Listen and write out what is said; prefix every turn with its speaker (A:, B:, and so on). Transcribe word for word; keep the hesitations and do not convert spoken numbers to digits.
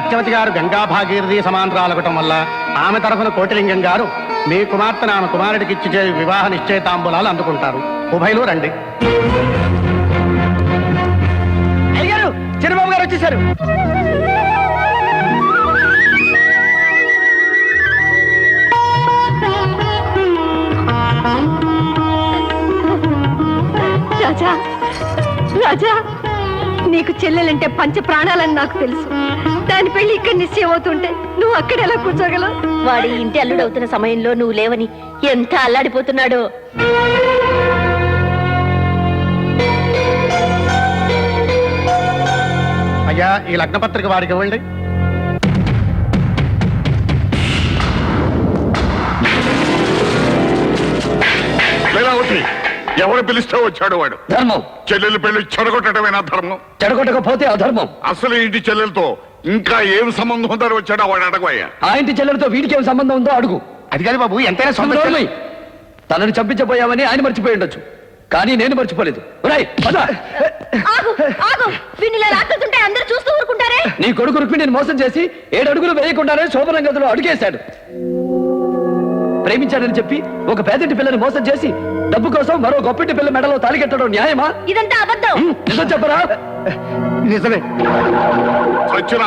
A: సత్యవతి గారు గంగా భాగీరథి సమాంతరాలగటం వల్ల ఆమె తరఫున కోటిలింగం గారు మీ కుమార్తెను ఆమె కుమారుడికి ఇచ్చి వివాహ నిశ్చయితాంబులాలు అందుకుంటారు. ఉభయలు రండి. అయ్యారు చిరబాబు గారు వచ్చేసారు.
B: రాజా రాజా నీకు చెల్లెలంటే పంచ ప్రాణాలని నాకు తెలుసు. దాని పెళ్లి ఇక్కడ నిశ్చయం అవుతుంటే నువ్వు అక్కడ ఎలా కూర్చోగలవు?
C: వాడి ఇంటి అల్లుడవుతున్న సమయంలో నువ్వు లేవని ఎంత అల్లాడిపోతున్నాడో.
A: అయ్యా ఈ లగ్నపత్రిక వాడికి ఇవ్వండి.
D: ఎవరు పిలిస్తే వచ్చాడు వాడు?
E: ధర్మం.
D: చెల్లెలు పెళ్లి చెడగొట్టడమేనా ధర్మం?
E: చెడగొట్టకపోతే అధర్మం.
D: అసలు ఇంటి చెల్లెలతో ఇంకా ఏం సంబంధం ఉందని వచ్చాడో వాడు అడగయ్యా.
E: ఆ ఇంటి చెల్లెలతో వీడికి ఏం సంబంధం ఉందో అడుగు.
A: అది కాదు బాబు, ఎంతైనా సొంత చెల్లెలు.
E: తనని చంపించబోయామని ఆయన మర్చిపోయి ఉండొచ్చు, కానీ నేను మర్చిపోలేదు.
C: అందరూ చూస్తూ ఊరుకుంటారే.
E: నీ కొడుకు రుక్మిణిని మోసం చేసి ఏడు అడుగులు వేయకుండానే శోభనం గదిలో అడుగేశాడు. ప్రేమించాడని చెప్పి ఒక పేదింటి పిల్లని మోసం చేసి డబ్బు కోసం మరో గొప్పింటి పిల్ల మెడలో తాళికెట్టడం న్యాయమా?
C: ఇదంతా అబద్ధం.
E: నిజం చెప్పరా?
A: నిజమే.